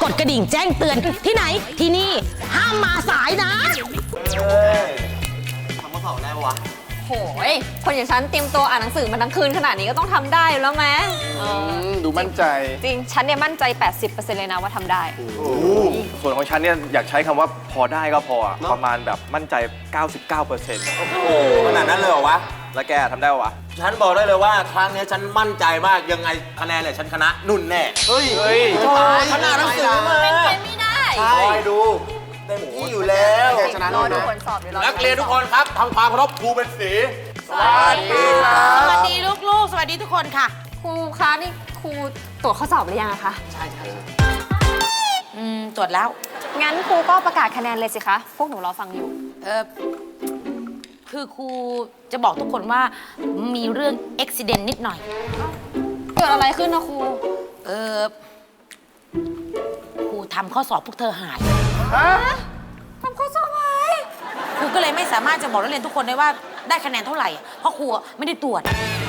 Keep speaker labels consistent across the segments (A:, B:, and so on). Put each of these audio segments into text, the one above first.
A: กดกระดิ่งแจ้งเตือนที่ไหนที่นี่ห้ามมาสายนะ
B: ทำข้อสอบได้ปะวะ
C: โหยคนอย่างฉันเตรียมตัวอ่านหนังสือมาทั้งคืนขนาดนี้ก็ต้องทำได้แล้วไหม
D: ดูมั่นใจ
C: จริงฉันเนี่ยมั่นใจ 80% เลยนะว่าทำได้
D: ส่วนของฉันเนี่ยอยากใช้คำว่าพอได้ก็พอประมาณแบบมั่นใจ 99%
B: โอ้โหขนาดนั้นเลยเหรอวะ
D: แล้วแกทำได้ปะวะ
B: ฉันบอกได้เลยว่าครั้งนี้ฉันมั่นใจมากยังไงคะแนนเนี่ยฉันชนะนุ่นแน่เฮ้ยขนาดหนังสือมา
C: เป็นไปไม่ได้
B: ใช่ดูเต็มที่อยู่แล้ว
C: รอดูผลสอบเดี๋ยว
B: นักเรียนทุกคนครับทำความเคารพครูเป็นสี
C: สวัสดีค่ะ
A: สวัสดีลูกๆสวัสดีทุกคนค่ะ
C: ครูคะนี่ครูตรวจข้อสอบหรือยังคะ
B: ใช่
A: ตรวจแล้ว
C: งั้นครูก็ประกาศคะแนนเลยสิคะพวกหนูรอฟังอยู่
A: คือครูจะบอกทุกคนว่ามีเรื่องอุบิเหตุนิดหน่อย
C: เกิดอะไรขึ้นนะครู
A: ครูทำข้อสอบพวกเธอหาย
C: ทำข้อสอบหาย
A: ครูก็เลยไม่สามารถจะบอกนักเรียนทุกคนได้ว่าได้คะแนนเท่าไหร่เพราะครูไม่ได้ตรวจ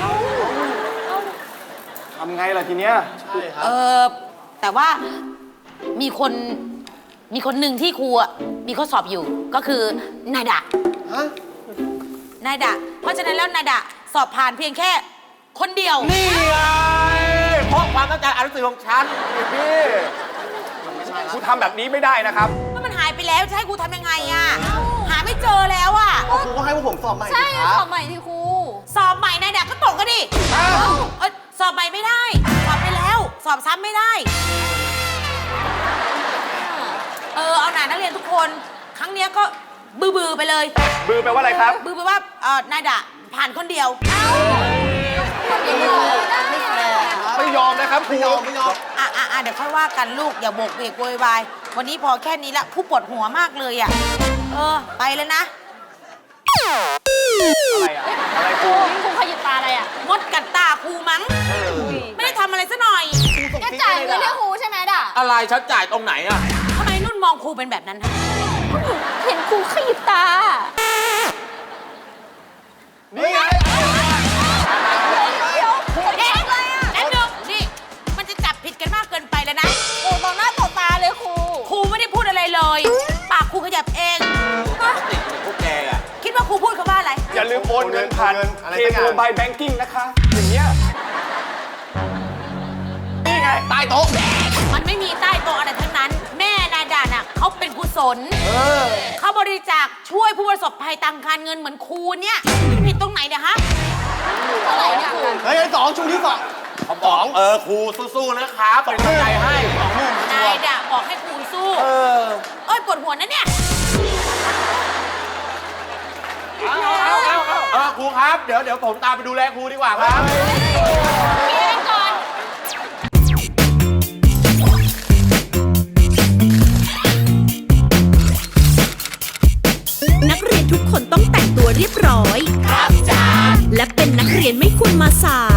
D: ทำไงล่ะทีเนี้ย
B: ใช่ครับ
A: แต่ว่ามีคนหนึ่งที่ครูมีข้อสอบอยู่ก็คือนายดะนายดะเพราะฉะนั้นแล้วนายดะสอบผ่านเพียงแค่คนเดียว
B: นี่ไงเพราะความตั้งใจอ่านหนังสือของฉัน
D: พี่ครูทำแบบนี้ไม่ได้นะครับ
A: มันหายไปแล้วจะให้ครูทำยังไงอะหาไม่เจอแล้วอะ
B: ครูก็ให้พวกผมสอบใหม่
C: ใช่สอบใหม่ที่ครู
A: สอบใหม่นายดะก็ตกก็ดิสอบใหม่ไม่ได้สอบไปแล้วสอบซ้ำไม่ได้เอาหน่านักเรียนทุกคนครั้งนี้ก็บือไปเลย
D: บือแปลว่าอะไรครับ
A: บือแปลว่านายดะผ่านคนเดียว
D: ไม่ยอมนะครับครู
B: ไม่ยอม
A: เดี๋ยวค่อยว่ากันลูกอย่าโบกเวกโวยวายวันนี้พอแค่นี้ละผู้ปวดหัวมากเลยอ่ะไปแล้วนะ
D: อะไรครู
C: ขยิบตาอะไรอ่ะ
A: มดกัดตาครูมั้งไม่ได้ทำอะไรซะหน่อย
C: แกจ่ายเงินให้ครูใช่ไหมด่ะ
B: อะไรฉันจ่ายตรงไหนอ่ะ
A: ทำไมนุ่นมองครูเป็นแบบนั้น
C: เห็นครูขยิบตา
D: นี่ไง
A: นี่มันจะจับผิดกันมากเกินไปแล้วนะ
C: โอ้มองหน้าต่อตาเลย
A: ครูไม่ได้พูดอะไรเลยปากครูขยับเอง
B: ติดพวกแกอ่ะ
A: คิดว่าครูพูดคำว่าอะไร
D: อย่าลืมโอนเงินผ่านเคโมบายแบงกิ้งนะคะอย่างเงี้ยนี่ไง
B: ใต้โต๊ะ
A: มันไม่มีใต้โต๊ะอะไรทั้งนั้นแม่นายดาน่ะเขาเป็นกุศลเขาบริจาคช่วยผู้ประสบภัยทางการเงินเหมือนครูเนี่ยผิดตรงไหนเนี่ยฮะ
C: อะไรเนี่ยครู
B: เฮ้ยสองชูที่สองครูสู้ๆนะครับเป็นกำลังใจให้
A: นายดาบอกให้ครูสู้ปวดหัวนะเนี่ย
B: ครูครับเดี๋ยวผมตามไปดูแลครูดีกว่าครับ
A: ก่อน
E: นักเรียนทุกคนต้องแต่งตัวเรียบร้อยครับจ้าและเป็นนักเรียนไม่ควรมาสาย